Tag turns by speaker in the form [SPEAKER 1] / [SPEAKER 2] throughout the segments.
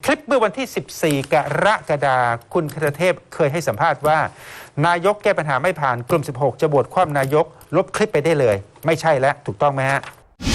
[SPEAKER 1] ลิปเมื่อวันที่ 14 กรกฎาคมคุณคทเทพเคยให้สัมภาษณ์ว่านายกแก้ปัญหาไม่ผ่านกลุ่ม 16 จะบวชคว่ำนายกลบคลิปไปได้เลย ไม่ใช่แล้วถูกต้องไหมฮะ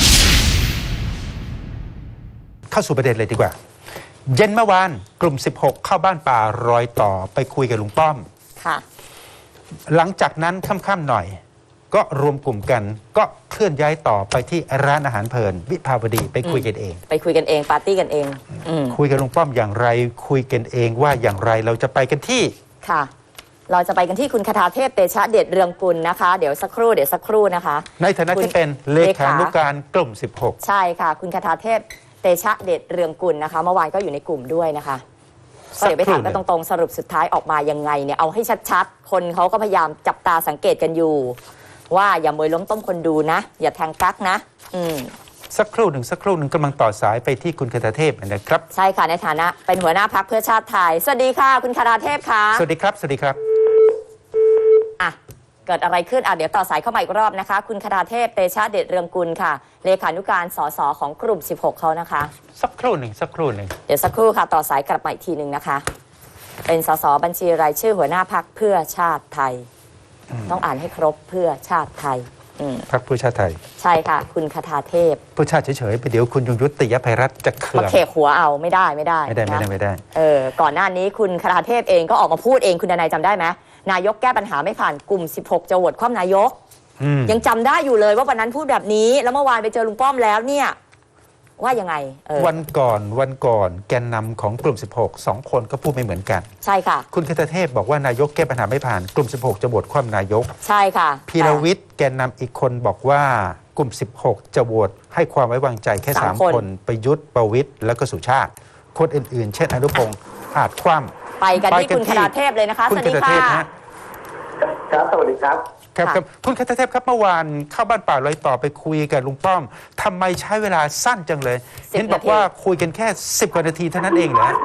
[SPEAKER 1] เข้าสู่ประเด็นเลยดีกว่าเย็นเมื่อวานกลุ่ม 16 เข้าบ้านป่ารอยต่อไปคุยกับลุงป้อม
[SPEAKER 2] ค่ะ
[SPEAKER 1] หลังจากนั้นค่ำๆหน่อยก็รวมกลุ่มกันก็เคลื่อนย้ายต่อไปที่ร้านอาหารเพลินวิภาวดีไปคุยกันเอง
[SPEAKER 2] ไปคุยกันเองปาร์ตี้กันเอง
[SPEAKER 1] คุยกับลุงป้อมอย่างไรคุยกันเองว่าอย่างไรเราจะไปกันที่
[SPEAKER 2] ค่ะเราจะไปกันที่คุณคทาเทพเตชะเดชเรืองกุลนะคะเดี๋ยวสักครู่นะคะ
[SPEAKER 1] ในฐานะที่เป็นเลขานุการกลุ่ม 16
[SPEAKER 2] ใช่ค่ะคุณคทาเทพเตชะเดชเรืองกุลนะคะเมื่อวานก็อยู่ในกลุ่มด้วยนะคะก็เดี๋ยวไปถามกันตรงๆสรุปสุดท้ายออกมายังไงเนี่ยเอาให้ชัดๆคนเขาก็พยายามจับตาสังเกตกันอยู่ว่าอย่ามวยล้มต้มคนดูนะอย่าแทงกั๊กนะ
[SPEAKER 1] สักครู่หนึ่งกำลังต่อสายไปที่คุณคทาเทพนะครับ
[SPEAKER 2] ใช่ค่ะในฐานะเป็นหัวหน้าพรรคเพื่อชาติไทยสวัสดีค่ะคุณคทาเทพค่ะ
[SPEAKER 1] สวัสดีครับ
[SPEAKER 2] อ่ะเกิดอะไรขึ้นเดี๋ยวต่อสายเข้ามาอีกรอบนะคะคุณคทาเทพเตชะเดชเรืองกุลค่ะเลขานุการสสของกลุ่ม 16เขานะคะ
[SPEAKER 1] สักครู่หนึ่ง
[SPEAKER 2] เดี๋ยวสักครู่ค่ะต่อสายกลับมาอีกทีหนึ่งนะคะเป็นสสบัญชีรายชื่อหัวหน้าพรรคเพื่อชาติไทยต้องอ่านให้ครบเพื่อชาติไทย
[SPEAKER 1] พรรคเพื่อชาติไทย
[SPEAKER 2] ใช่ค่ะคุณคทาเทพ
[SPEAKER 1] เพื่อชาติเฉยๆไปเดี๋ยวคุณยงยุติยภัยรัตน์จะเขื่อน
[SPEAKER 2] มาเขกหัวเอาไม่ได้ก่อนหน้านี้คุณคทาเทพเองก็ออกมาพูดเองคุณดนัยจำได้ไหมนายกแก้ปัญหาไม่ผ่านกลุ่ม 16จะโหวตคว่ำนายกยังจำได้อยู่เลยว่าวันนั้นพูดแบบนี้แล้วเมื่อวานไปเจอลุงป้อมแล้วเนี่ยว่ายังไง
[SPEAKER 1] วันก่อนแกนนำของกลุ่ม 16 2 คนก็พูดไม่เหมือนกัน
[SPEAKER 2] ใช่ค่ะ
[SPEAKER 1] คุณคทเทพบอกว่านายกแก้ปัญหาไม่ผ่านกลุ่ม 16จะโหวตคว่ำนายก
[SPEAKER 2] ใช่ค่ะ
[SPEAKER 1] พีรวิทย์แกนนำอีกคนบอกว่ากลุ่ม 16จะโหวตให้ความไว้วางใจแค่3 คนประยุทธ์ประวิตรแล้วก็สุชาติคนอื่นๆเช่นอนุพงษ์อาจคว่ำ
[SPEAKER 2] ไปกันที่คุณคทาเทพเลยนะคะสวัสดีค่ะ
[SPEAKER 3] ครับสวัสดีครับ
[SPEAKER 1] ครับคุณคทเทพครับเมื่อวานเข้าบ้านป่าลอยต่อไปคุยกับลุงป้อมทำไมใช้เวลาสั้นจังเลยเห็นบอกว่าคุยกันแค่10 กว่านาทีเท่านั้นเองเหรอ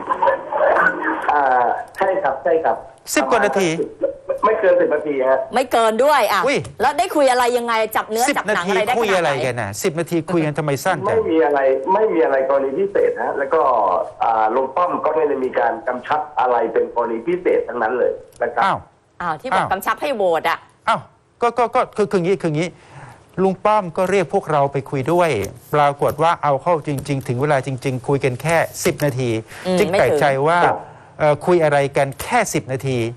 [SPEAKER 3] ใช่ครับ
[SPEAKER 1] 10 กว่านาที
[SPEAKER 3] ไม่เกิน10 นาทีฮะ
[SPEAKER 2] ไม่เกินด้วยแล้วได้คุยอะไรยังไงจับเนื้อจับหนังอะไรได้ขนาดไหน
[SPEAKER 1] คุยอะไรกันนะ10 นาทีคุยกันทำไมสั้นจัง
[SPEAKER 3] ไม่มีอะไรกรณีพิเศษฮะแล้วก็ลุงป้อมก็ไม่ได้มีการกำชับอะไรเป็นกรณีพิเศษทั้งนั้นเลยนะครับ
[SPEAKER 2] ที่บอกกำชับให้โหวต
[SPEAKER 1] ก็คืออย่างนี้ลุงป้อมก็เรียกพวกเราไปคุยด้วยปรากฏว่าเอาเข้าจริงๆถึงเวลาจริงๆคุยกันแค่10 นาทีจึงแปลกใจว่าคุยอะไรกันแค่10 นาที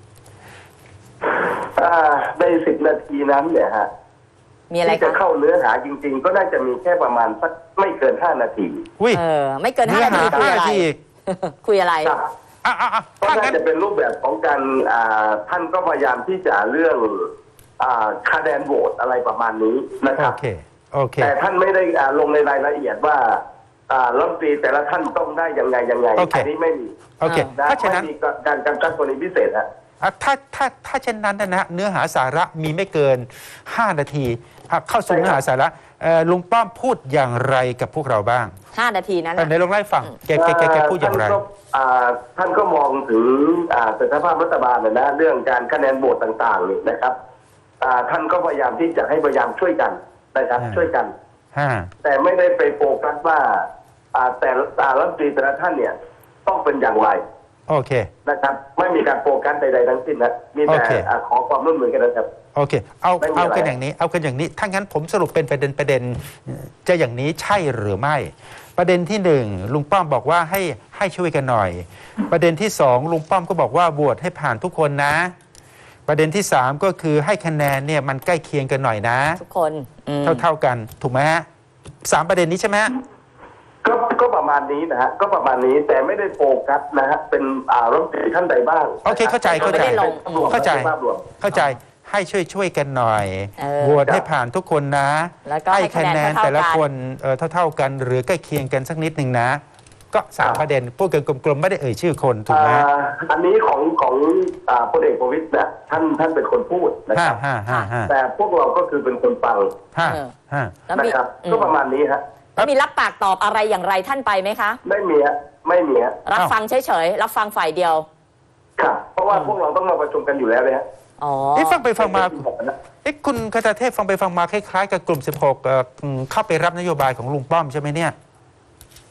[SPEAKER 3] ใน10 นาทีนั้นเนี่ยฮะ
[SPEAKER 2] มีอะไร
[SPEAKER 3] ที่จะเข้าเนื้อหาจริงๆก็น่าจะมีแค่ประมาณสักไม่เกิน5 นาที
[SPEAKER 2] ไม่เกิน5 นาทีคุยอะไร
[SPEAKER 3] ก็น่าจะเป็นรูปแบบของการท่านก็พยายามที่จะเรื่องคะแนนโหวตอะไรประมาณนี้นะครับ
[SPEAKER 1] โอเค
[SPEAKER 3] แต่ท่านไม่ได้ลงในรายละเอียดว่ารัฐมนตรีแต่ละท่านต้องได้ยังไงอันนี้ไม่มี
[SPEAKER 1] ถ้าเช่นนั้น
[SPEAKER 3] มีการกำชับกรณีพิเศษฮะ
[SPEAKER 1] ถ้าเช่นนั้นนะเนื้อหาสาระมีไม่เกิน5 นาทีเข้าสู่เนื้อหาสาระลุงป้อมพูดอย่างไรกับพวกเราบ้าง
[SPEAKER 2] 5 นาทีนั้น
[SPEAKER 1] ในลองไล่ฟังแกพูดอย่างไร
[SPEAKER 3] ท่านก็มองถึงสถานภาพรัฐบาลนะเรื่องการคะแนนโหวตต่างๆนี่นะครับท่านก็พยายามที่จะให้พยายามช่วยกันนะครับช่วยกันแต่ไม่ได้ไปโฟกัสว่าแต่รัฐมนตรีแต่ละท่านเนี่ยต้องเป็นอย่างไร
[SPEAKER 1] โอเค
[SPEAKER 3] นะครับไม่มีการโฟกัสใดๆทั้งสิ้นนะมีแต่ขอความร่วมมือกันนะครับ
[SPEAKER 1] โอเคเอากันอย่างนี้ถ้างั้นผมสรุปเป็นประเด็นจะอย่างนี้ใช่หรือไม่ประเด็นที่1ลุงป้อมบอกว่าให้ช่วยกันหน่อยประเด็นที่2ลุงป้อมก็บอกว่าโหวตให้ผ่านทุกคนนะประเด็นที่3ก็คือให้คะแนนเนี่ยมันใกล้เคียงกันหน่อยนะ
[SPEAKER 2] ทุกคน
[SPEAKER 1] เท่ากันถูกไหมฮะ3 ประเด็นนี้ใช่ไหม
[SPEAKER 3] ก็ประมาณนี้นะฮะก็ประมาณนี้แต่ไม่ได้โฟกัสนะฮะเป็นรัฐมนตรีท่านใดบ้าง
[SPEAKER 1] โอเคเข้าใจให้ช่วยกันหน่อยโหวตให้ผ่านทุกคนนะให้คะแนนแต่ละคนเท่ากันหรือใกล้เคียงกันสักนิดหนึ่งนะก็3 ประเด็นพูดกันกลมๆไม่ได้เอ่ยชื่อคนถูกไหม
[SPEAKER 3] อันนี้ของพลเอกประวิตรเนี่ยท่านเป็นคนพูดนะครับแต่พวกเราก็คือเป็นคนฟังนะครับก็ประมาณนี้ฮะ
[SPEAKER 2] แล้วมีรับปากตอบอะไรอย่างไรท่านไปไหมคะ
[SPEAKER 3] ไม่มีฮะ
[SPEAKER 2] รับฟังเฉยๆรับฟังฝ่ายเดียว
[SPEAKER 3] ครับเพราะว่าพวกเราต้องมาประชุมกันอยู่แล้วเลยฮะ
[SPEAKER 1] ฟังไปฟังมาคุณคทเทพฟังไปฟังมาคล้ายๆกับกลุ่ม 16เข้าไปรับนโยบายของลุงป้อมใช่ไหมเนี่ย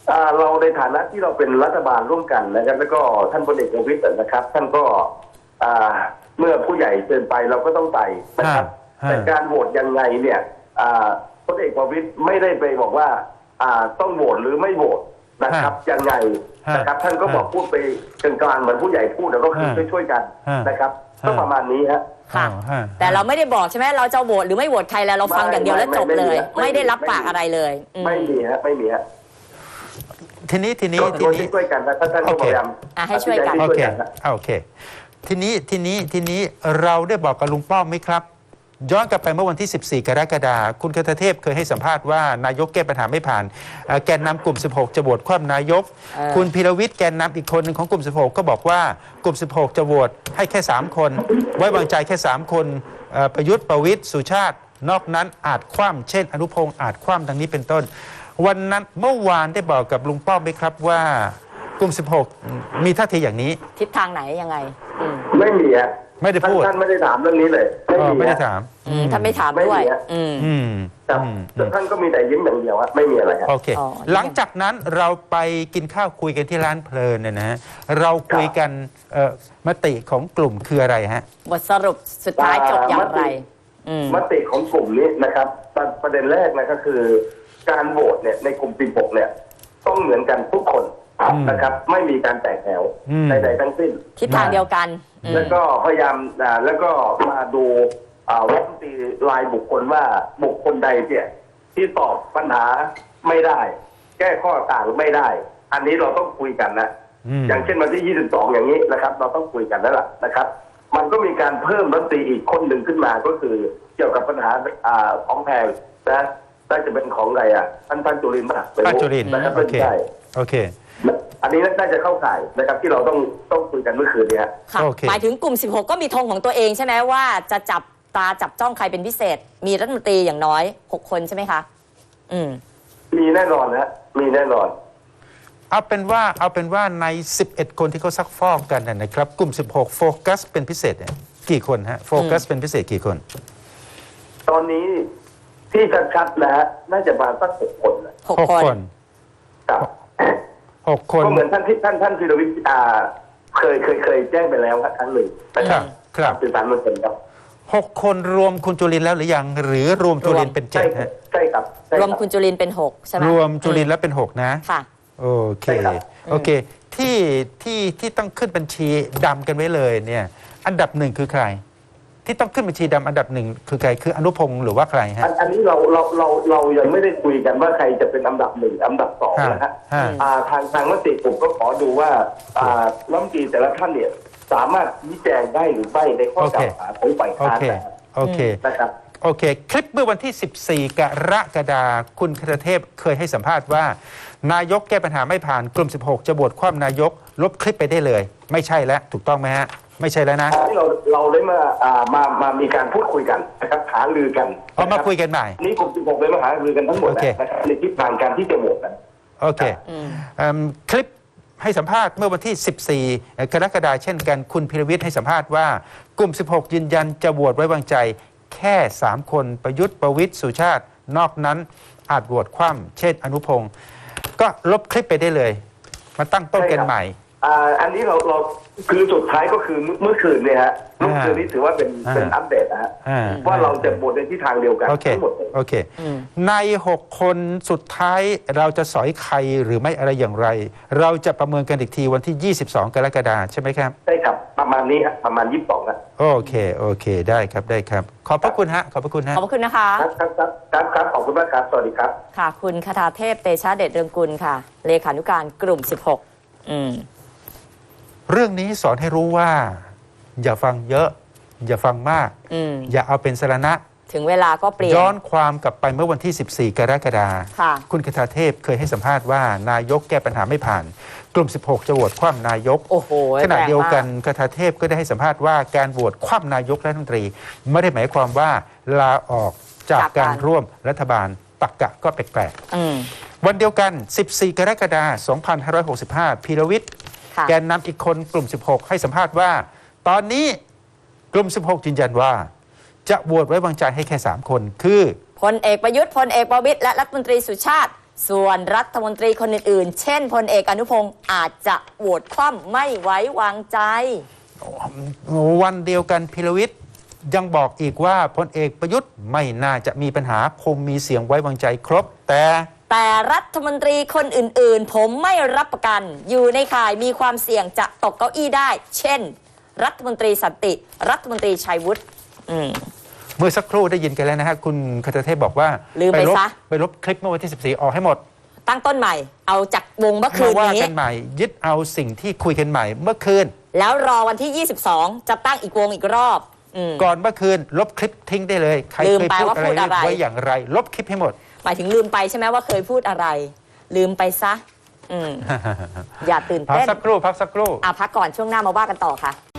[SPEAKER 3] เราในฐานะที่เราเป็นรัฐบาลร่วมกันนะครับแล้วก็ท่านพลเอกประวิตรนะครับ ท่านก็เมื่อผู้ใหญ่เชิญไปเราก็ต้องไปนะครับแต่การโหวตยังไงเนี่ยพลเอกประวิตรไม่ได้ไปบอกว่าต้องโหวตหรือไม่โหวตนะครับยังไงนะครับท่านก็บอกพูดไปกลางๆเหมือนผู้ใหญ่พูดแล้วก็คือช่วยๆกันนะครับก็ประมาณนี้ฮะ
[SPEAKER 2] ค่ะแต่เราไม่ได้บอกใช่ไหมเราจะโหวตหรือไม่โหวตใครแล้วเราฟังอย่างเดียวแล้วจบเลยไม่ได้รับปากอะไรเลย
[SPEAKER 3] ไม่มีฮะไม่มีฮะ
[SPEAKER 1] ทีนี้
[SPEAKER 3] ช่วยกันนะท่านก็พยายาม
[SPEAKER 2] ให้ช่วยกัน
[SPEAKER 1] โอเคทีนี้เราได้บอกกับลุงป้อมไหมครับย้อนกลับไปเมื่อวันที่ 14 กรกฎาคมคุณคทเทพเคยให้สัมภาษณ์ว่านายกแก้ปัญหาไม่ผ่านแกนนำกลุ่ม 16 จะโหวตคว่ำนายกคุณพีรวิทย์แกนนำอีกคนหนึ่งของกลุ่ม 16 ก็บอกว่ากลุ่ม 16 จะโหวตให้แค่ 3 คนไว้วางใจแค่ 3 คนประยุทธ์ประวิตรสุชาตินอกนั้นอาจคว่ำเช่นอนุพงศ์อาจคว่ำดังนี้เป็นต้นวันนั้นเมื่อวานได้บอกกับลุงป้อมไหมครับว่ากลุ่ม 16 มีท่าทีอย่างนี้
[SPEAKER 2] ทิศทางไหนยังไง
[SPEAKER 3] ไม่มีอ่ะ
[SPEAKER 1] ไม่ได้พูด
[SPEAKER 3] ท่านไม่ได้ถามเรื่องนี้เลย
[SPEAKER 1] ไม่ได้ถาม
[SPEAKER 2] ท่านไม่ถามด้วย
[SPEAKER 3] แต่ท่านก็มีแต่ยิ้มอย่างเดียวไม่มีอะไร
[SPEAKER 1] โอเคหลังจากนั้นเราไปกินข้าวคุยกันที่ร้านเพลินเนี่ยนะฮะเราคุยกันมติของกลุ่มคืออะไรฮะ
[SPEAKER 2] บทสรุปสุดท้ายจบอย่างไร
[SPEAKER 3] มติของกลุ่มนี้นะครับประเด็นแรกนะก็คือการโหวตเนี่ยในกลุ่ม 16 เนี่ยต้องเหมือนกันทุกคนนะครับไม่มีการแตกแถวใดๆทั้งสิ้น
[SPEAKER 2] ทิศทางเดียวกัน
[SPEAKER 3] แล้วก็พยายามแล้วก็มาดูรัฐมนตรีรายบุคคลว่าบุคคลใดเนี่ยที่ตอบปัญหาไม่ได้ แก้ข้อต่างไม่ได้อันนี้เราต้องคุยกันนะอย่างเช่นวันที่ 22 อย่างนี้นะครับเราต้องคุยกันแล้วล่ะนะครับมันก็มีการเพิ่มรัฐมนตรีอีกคนหนึ่งขึ้นมาก็คือเกี่ยวกับปัญหาของแพงนะน่าจะเป็นของอะไรท่านจุรินทร์ป่ะ
[SPEAKER 1] ท่านจุรินทร์
[SPEAKER 3] นะครับ
[SPEAKER 1] โอเค
[SPEAKER 3] อันนี้น่าจะเข้าข่ายนะครับที่เราต้องคุยกันเมื่อคืนนี้
[SPEAKER 2] ค่ะหมายถึงกลุ่ม 16 ก็มีธงของตัวเองใช่ไหมว่าจะจับจ้องใครเป็นพิเศษมีรัฐมนตรีอย่างน้อย6 คนใช่ไหมคะ
[SPEAKER 3] มีแน่นอนนะมีแน่นอน
[SPEAKER 1] เอาเป็นว่าใน11 คนที่เขาซักฟอกกันนะครับกลุ่ม 16 โฟกัสเป็นพิเศษกี่คนฮะโฟกัสเป็นพิเศษกี่คน
[SPEAKER 3] ตอนนี้ที่ชัดๆนะฮะน่าจะมาสัก6 คน
[SPEAKER 1] 6 คน
[SPEAKER 3] ครับ6 คนก็เหมือนท่านพีรวิทย์เคยแจ้งไปแล้วครั้งหนึ่ง
[SPEAKER 1] ครับ
[SPEAKER 3] สื่อสารมวลชนครับ
[SPEAKER 1] 6 คนรวมคุณจุรินทร์แล้วหรือยังหรือรวมจุรินทร์เป็น7ฮะ
[SPEAKER 3] ใช่ครับ
[SPEAKER 2] รวมคุณจุรินทร์เป็น6ใช่ไหม
[SPEAKER 1] รวมจุรินทร์แล้วเป็น6นะ
[SPEAKER 2] ค่ะ
[SPEAKER 1] โอเคที่ต้องขึ้นบัญชีดำกันไว้เลยเนี่ยอันดับ1คือใครที่ต้องขึ้นบัญชีดำอันดับ1คือใครคืออนุพงศ์หรือว่าใครฮะ
[SPEAKER 3] อันนี้เรายังไม่ได้คุยกันว่าใครจะเป็นอันดับ1อันดับ2นะฮะทางมติกลุ่มก็ขอดูว่ารัฐมนตรีแต่ละท่านเนี่ยสามารถชี้แจงได้หรือไม่ในข้อกล่าวหาของฝ่ายค้านนะครับ
[SPEAKER 1] โอเคคลิปเมื่อวันที่ 14 กรกฎาคมคุณคทเทพเคยให้สัมภาษณ์ว่านายกแก้ปัญหาไม่ผ่านกลุ่ม 16 จะโหวตคว่ำนายกลบคลิปไปได้เลยไม่ใช่แล้วถูกต้องไหมฮะไม่ใช่แล้วนะ
[SPEAKER 3] ที่เราได้มามีการพูดคุยกันนะครับหารือกัน
[SPEAKER 1] มาคุยกันใหม่
[SPEAKER 3] นี่กลุ่ม 16 เลยมาหารือกันทั้งหมดนะครับในทิศทางการที่จะโหวตนั้น
[SPEAKER 1] โอเคคลิปให้สัมภาษณ์เมื่อวันที่ 14 กรกฎาคมเช่นกันคุณพีรวิทย์ให้สัมภาษณ์ว่ากลุ่ม 16 ยืนยันจะโหวตไว้วางใจแค่3 คนประยุทธ์ประวิตรสุชาตินอกนั้นอาจโหวตคว่ำเช่นอนุพงศ์ก็ลบคลิปไปได้เลยมาตั้งต้นกันใหม่
[SPEAKER 3] อันนี้เราคือสุดท้ายก็คือเมื่อคืนเนี่ยฮะเมื่อคืนนี้ถือว่าเป็นอัปเดตนะฮะว่าเราจะโหวตในทิศทางเดียวกันทั้งหมด
[SPEAKER 1] โอเคใน6 คนสุดท้ายเราจะสอยใครหรือไม่อะไรอย่างไรเราจะประเมินกันอีกทีวันที่ 22 กรกฎาคมใช่ไหมครับ
[SPEAKER 3] ใช่ครับประมาณนี้ครับประมาณ 22ครับ
[SPEAKER 1] โอเคได้ครับขอบพระคุณฮะขอบพระคุณฮะ
[SPEAKER 2] ขอบพระคุณนะคะ
[SPEAKER 3] ครับขอบคุณมากครับสวัสดีครับ
[SPEAKER 2] ค่ะคุณคทาเทพเตชะเดชเรืองกุลค่ะเลขานุการกลุ่ม 16
[SPEAKER 1] เรื่องนี้สอนให้รู้ว่าอย่าฟังเยอะอย่าฟังมากอย่าเอาเป็นสาระ
[SPEAKER 2] ถึงเวลาก็เปลี่ยน
[SPEAKER 1] ย้อนความกลับไปเมื่อวันที่ 14 กรกฎาคมคุณคทาเทพเคยให้สัมภาษณ์ว่านายกแก้ปัญหาไม่ผ่านกลุ่ม 16 จะโหวตคว่ำนายกขณะเดียวกันคทาเทพก็ได้ให้สัมภาษณ์ว่าการโหวตคว่ำนายกรัฐมนตรีไม่ได้หมายความว่าลาออกจากการร่วมรัฐบาลตรรกะก็แปลกๆวันเดียวกัน 14 กรกฎาคม 2565 พีรวิทย์แกนนำอีกคนกลุ่ม 16 ให้สัมภาษณ์ว่าตอนนี้กลุ่ม 16 ยืนยันว่าจะโหวตไว้วางใจให้แค่3 คนคือ
[SPEAKER 2] พลเอกประยุทธ์พลเอกประวิตรและรัฐมนตรีสุชาติส่วนรัฐมนตรีคนอื่นๆ เช่นพลเอกอนุพงศ์อาจจะโหวตคว่ำไม่ไว้วางใจ
[SPEAKER 1] วันเดียวกันพิรวิทย์ยังบอกอีกว่าพลเอกประยุทธ์ไม่น่าจะมีปัญหาคงมีเสียงไว้วางใจครบแต่
[SPEAKER 2] รัฐมนตรีคนอื่นๆ ผมไม่รับประกันอยู่ในข่ายมีความเสี่ยงจะตกเก้าอี้ได้ เช่น รัฐมนตรีสันติรัฐมนตรีชัยวุฒิ
[SPEAKER 1] เมื่อสักครู่ได้ยินกันแล้วนะฮะคุณคทเทพบอกว่า
[SPEAKER 2] ลืมไปซะ
[SPEAKER 1] ไปลบคลิปเมื่อวันที่ 14 ออกให้หมด
[SPEAKER 2] ตั้งต้นใหม่เอาจากวงเมื่อคืนนี้
[SPEAKER 1] ว่ากันใหม่ยึดเอาสิ่งที่คุยกันใหม่เมื่อคืน
[SPEAKER 2] แล้วรอวันที่ 22จะตั้งอีกวงอีกรอบ
[SPEAKER 1] ก่อนเมื่อคืนลบคลิปทิ้งได้เลยใครเคยพูดอะไรไว้อย่างไรลบคลิปให้หมด
[SPEAKER 2] หมายถึงลืมไปใช่ไหมว่าเคยพูดอะไรลืมไปซะอย่าตื่นเต้น
[SPEAKER 1] พักสักครู่
[SPEAKER 2] พักก่อนช่วงหน้ามาว่ากันต่อค่ะ